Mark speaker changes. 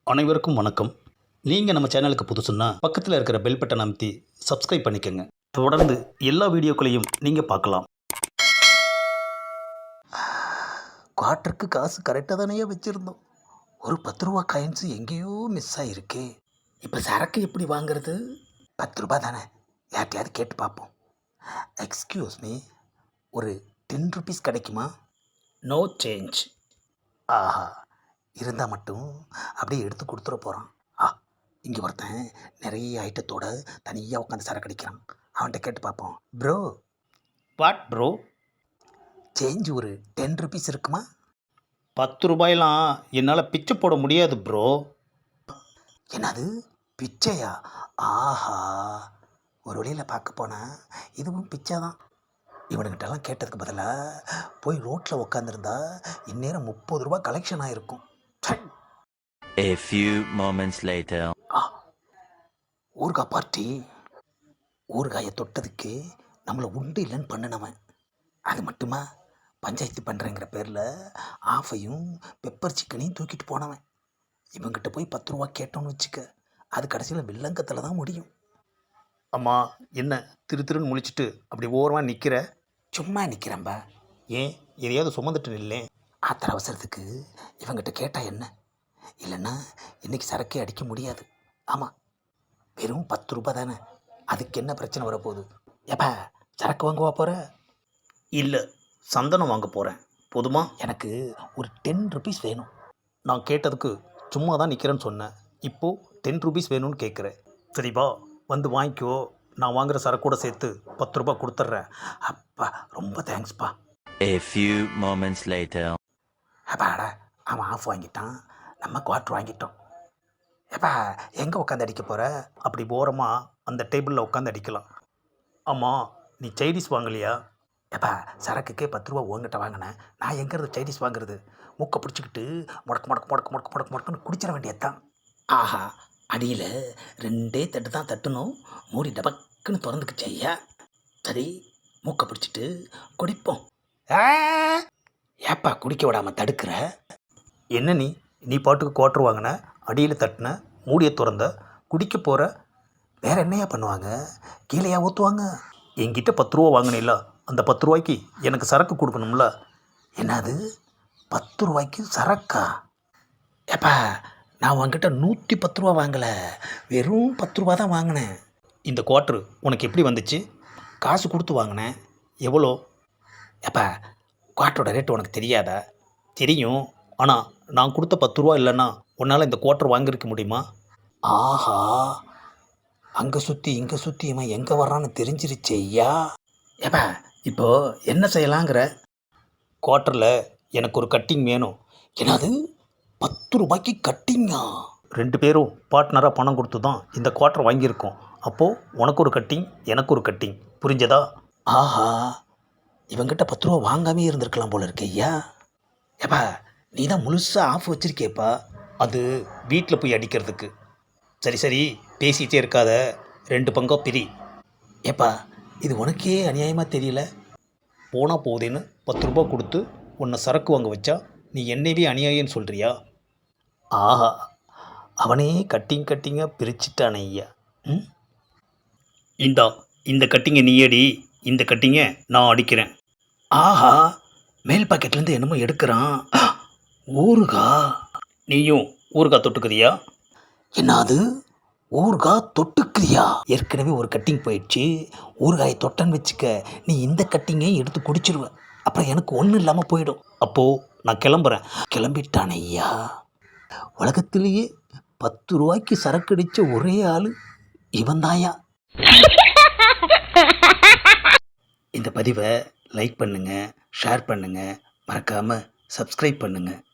Speaker 1: அனைவருக்கும் வணக்கம். நீங்கள் நம்ம சேனலுக்கு புதுசுன்னா பக்கத்தில் இருக்கிற பெல் பட்டனை அமைத்தி சப்ஸ்கிரைப் பண்ணிக்கோங்க. தொடர்ந்து எல்லா வீடியோக்களையும் நீங்கள் பார்க்கலாம்.
Speaker 2: குவார்ட்டருக்கு காசு கரெக்டாக தானே வச்சுருந்தோம். ஒரு 10 ரூபா காயின்ஸு எங்கேயோ மிஸ் ஆகிருக்கு. இப்போ சரக்கு எப்படி வாங்குறது? 10 ரூபா தானே, யார்ட்டையாவது கேட்டு பார்ப்போம். எக்ஸ்கியூஸ் மீ, ஒரு 10 ருபீஸ் கிடைக்குமா?
Speaker 1: No change.
Speaker 2: ஆஹா, இருந்தால் மட்டும் அப்படியே எடுத்து கொடுத்துட போகிறான். இங்கே ஒருத்தன் நிறைய ஐட்டத்தோட தனியாக உட்காந்து சரக்கு அடிக்கிறான். அவன்கிட்ட கேட்டு பார்ப்போம். Bro,
Speaker 1: what bro?
Speaker 2: சேஞ்ச் ஒரு 10 ருபீஸ் இருக்குமா?
Speaker 1: 10 ரூபாயெல்லாம் என்னால் பிச்சை போட முடியாது ப்ரோ.
Speaker 2: என்னது, பிச்சையா? ஆஹா, ஒரு வழியில் பார்க்க போனால் இதுவும் பிச்சை தான். இவனுக்கிட்டலாம் கேட்டதுக்கு பதிலாக போய் ரோட்டில் உட்காந்துருந்தா இந்நேரம் 30 ரூபா கலெக்ஷன் ஆகிருக்கும்.
Speaker 3: A few moments later.
Speaker 2: ஊறுகாய் பார்ட்டி. ஊறுகாயை தொட்டதுக்கு நம்மளை உண்டு இல்லைன்னு பண்ணினவன். அது மட்டுமா, பஞ்சாயத்து பண்ணுறேங்கிற பேரில் ஆஃபையும் பெப்பர் சிக்கனையும் தூக்கிட்டு போனவன். இவங்கிட்ட போய் 10 ரூபா கேட்டோன்னு வச்சுக்க, அது கடைசியில் வில்லங்கத்தில் தான் முடியும்.
Speaker 1: அம்மா, என்ன திருன்னு முழிச்சிட்டு அப்படி ஓரமாக நிற்கிற?
Speaker 2: சும்மா நிற்கிறேன்பா.
Speaker 1: ஏன், எதையாவது சுமந்துட்டு நில்லே.
Speaker 2: ஆத்திர அவசரத்துக்கு இவங்கிட்ட கேட்டால் என்ன? இல்லைன்னா இன்றைக்கி சரக்கே அடிக்க முடியாது. ஆமாம், வெறும் 10 ரூபா தானே, அதுக்கு என்ன பிரச்சனை வரப்போகுது? எப்பா, சரக்கு வாங்குவா போகிற?
Speaker 1: இல்லை, சந்தனம் வாங்க போகிறேன். போதுமா?
Speaker 2: எனக்கு ஒரு 10 ருபீஸ் வேணும்.
Speaker 1: நான் கேட்டதுக்கு சும்மா தான் நிற்கிறேன்னு சொன்னேன். இப்போது 10 ருபீஸ் வேணும்னு கேட்குறேன். சரிப்பா, வந்து வாங்கிக்கோ. நான் வாங்குகிற சரக்கூட சேர்த்து 10 ரூபா கொடுத்துட்றேன்.
Speaker 2: அப்பா, ரொம்ப தேங்க்ஸ்ப்பா.
Speaker 3: A few moments later.
Speaker 2: அப்பாடா, அவன் ஆஃப் வாங்கிட்டான், நம்ம குவார்ட்ரு வாங்கிட்டோம். எப்பா, எங்கே உட்காந்து அடிக்க போகிற?
Speaker 1: அப்படி ஓரமாக அந்த டேபிளில் உட்காந்து அடிக்கலாம். ஆமாம், நீ சைனீஸ் வாங்கலையா?
Speaker 2: எப்பா, சரக்குக்கே 10 ரூபா உங்ககிட்ட வாங்கினேன், நான் எங்கிறது சைனீஸ் வாங்குறது? மூக்கை பிடிச்சிக்கிட்டு முடக்கு முடக்கு முடக்கு முடக்கு முடக்கு முடக்குன்னு குடிச்சிட வேண்டியதுதான். ஆஹா, அடியில் 2 தட்டு தான் தட்டணும், மூடி டபக்குன்னு திறந்துக்குச்சு ஐயா. சரி, மூக்கை பிடிச்சிட்டு குடிப்போம். ஏப்பா குடிக்க விடாமல் தடுக்கிற?
Speaker 1: என்ன நீ பாட்டுக்கு குவார்ட்ரு வாங்கின, அடியில் தட்டின, மூடியை திறந்த, குடிக்க போகிற.
Speaker 2: வேறு என்னையா பண்ணுவாங்க? கீழேயா ஊற்றுவாங்க?
Speaker 1: என்கிட்ட 10 ரூபா வாங்கினில்ல, அந்த 10 ரூபாய்க்கு எனக்கு சரக்கு கொடுக்கணும்ல.
Speaker 2: என்னது, 10 ரூபாய்க்கு சரக்கா? ஏப்பா, நான் உங்ககிட்ட 110 ரூபா வாங்கலை, வெறும் 10 ரூபா தான் வாங்கினேன்.
Speaker 1: இந்த குவார்ட்ரு உனக்கு எப்படி வந்துச்சு?
Speaker 2: காசு கொடுத்து வாங்கினேன்.
Speaker 1: எவ்வளோ?
Speaker 2: ஏப்பா, குவார்ட்டரோட ரேட்டு உனக்கு தெரியாதா?
Speaker 1: தெரியும், ஆனால் நான் கொடுத்த 10 ரூபா இல்லைன்னா உன்னால் இந்த குவார்ட்ரு வாங்கியிருக்க முடியுமா?
Speaker 2: ஆஹா, அங்கே சுற்றி இங்கே சுற்றி இவன் எங்கே வர்றான்னு தெரிஞ்சிருச்சு ஐயா. ஏப்பா, இப்போது என்ன செய்யலாங்கிற?
Speaker 1: குவார்ட்டரில் எனக்கு ஒரு கட்டிங் வேணும்.
Speaker 2: என்னது, 10 ரூபாய்க்கு கட்டிங்கா?
Speaker 1: 2 பேரும் பார்ட்னராக பணம் கொடுத்து தான் இந்த குவார்ட்டர் வாங்கியிருக்கோம். அப்போது உனக்கு ஒரு கட்டிங், எனக்கு ஒரு கட்டிங். புரிஞ்சதா?
Speaker 2: ஆஹா, இவங்கிட்ட 10 ரூபா வாங்காமே இருந்திருக்கலாம் போல இருக்கு ஐயா. ஏப்பா, நீ தான் முழுசாக ஆஃப் வச்சிருக்கேப்பா.
Speaker 1: அது வீட்டில் போய் அடிக்கிறதுக்கு. சரி பேசிகிட்டே இருக்காத, 2 பங்கா பிரி.
Speaker 2: ஏப்பா, இது உனக்கே அநியாயமாக தெரியல.
Speaker 1: போனால் போதேன்னு 10 ரூபா கொடுத்து உன்னை சரக்கு வாங்க வச்சா நீ என்னையே அநியாயம்னு சொல்கிறியா?
Speaker 2: ஆஹா, அவனே கட்டிங்காக பிரிச்சுட்டானே ஐயா.
Speaker 1: இந்த கட்டிங்கை நீ அடி, இந்த கட்டிங்கை நான் அடிக்கிறேன்.
Speaker 2: ஆஹா, மேல் பாக்கெட்லேருந்து என்னமோ எடுக்கிறான். ஊறுகா.
Speaker 1: நீயும் ஊறுகாய் தொட்டுக்கிறியா?
Speaker 2: என்னது, ஊறுகாய் தொட்டுக்கிறியா? ஏற்கனவே ஒரு கட்டிங் போயிடுச்சு, ஊறுகாயை தொட்டன்னு வச்சுக்க, நீ இந்த கட்டிங்கையும் எடுத்து குடிச்சிருவ. அப்புறம் எனக்கு ஒன்றும் இல்லாமல் போயிடும்.
Speaker 1: அப்போது நான் கிளம்புறேன்.
Speaker 2: கிளம்பிட்டானே ஐயா. உலகத்திலேயே 10 ரூபாய்க்கு சரக்கு அடித்த ஒரே ஆள் இவன் தாயா. இந்த பதிவை லைக் பண்ணுங்கள், ஷேர் பண்ணுங்கள், மறக்காமல் சப்ஸ்கிரைப் பண்ணுங்கள்.